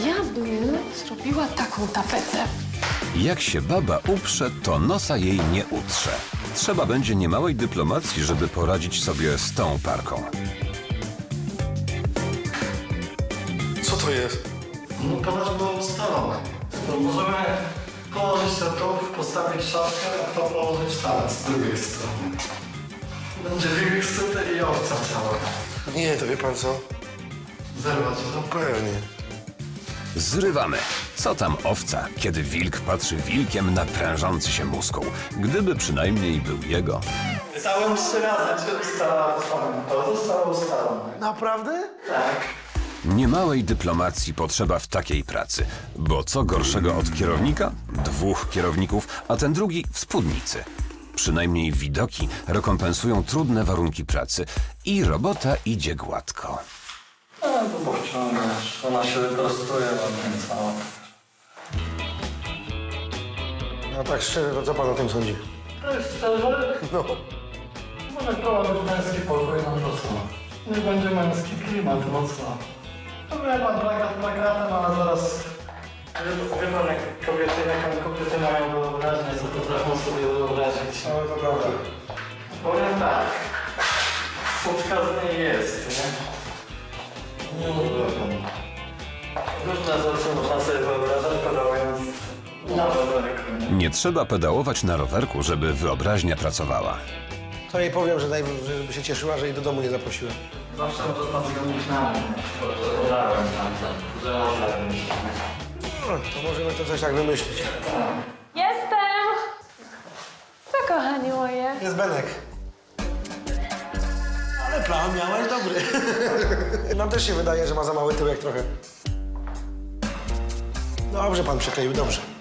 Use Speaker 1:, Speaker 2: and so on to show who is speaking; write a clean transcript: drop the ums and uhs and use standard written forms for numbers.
Speaker 1: Ja bym zrobiła taką tapetę.
Speaker 2: Jak się baba uprze, to nosa jej nie utrze. Trzeba będzie niemałej dyplomacji, żeby poradzić sobie z tą parką.
Speaker 3: Co to jest?
Speaker 4: No podaż było ustalone. To możemy położyć to tu, postawić szafkę, a to położyć tam z drugiej strony. Będzie wilk syty i owca cała.
Speaker 3: Nie, to wie pan co?
Speaker 4: Zerwać
Speaker 3: No
Speaker 4: to.
Speaker 3: pewnie.
Speaker 2: Zrywamy. Co tam owca, kiedy wilk patrzy wilkiem na prężący się muskuł? Gdyby przynajmniej był jego.
Speaker 4: Pytałem 3 razy, czy ustala ustalone. To zostało ustalone.
Speaker 3: Naprawdę?
Speaker 4: Tak.
Speaker 2: Niemałej dyplomacji potrzeba w takiej pracy, bo co gorszego od kierownika? 2 kierowników, a ten drugi w spódnicy. Przynajmniej widoki rekompensują trudne warunki pracy i robota idzie gładko.
Speaker 4: No to powciągasz. Ona się wyprostuje ładnie cała.
Speaker 3: No tak szczerze, to co pan o tym sądzi?
Speaker 4: To jest szczerze?
Speaker 3: No.
Speaker 4: Może prowadzić męski pokój na wrzosno. Nie będzie męski klimat, no co? No ja mam plakatem, ale zaraz... Wie pan, jak kobiety mają wyobraźnię, co potrafią sobie wyobrazić. No to prawda. Powiem tak. Fuczka z niej jest, nie? Nie mówię pan. Różne rzeczy można sobie wyobrażać, pedałując na rowerku, nie?
Speaker 2: Nie trzeba pedałować na rowerku, żeby wyobraźnia pracowała.
Speaker 3: To jej powiem, żeby się cieszyła, że jej do domu nie zaprosiłem.
Speaker 4: Zawsze można zgodzić na mnie. Podałem tam, że można wymyślić.
Speaker 3: No, to możemy to coś tak wymyślić.
Speaker 1: Jestem! Co, kochanie moje?
Speaker 3: Jest Benek. Ale plan miałeś dobry. Nam też się wydaje, że ma za mały tyłek trochę. Dobrze pan przykleił, dobrze.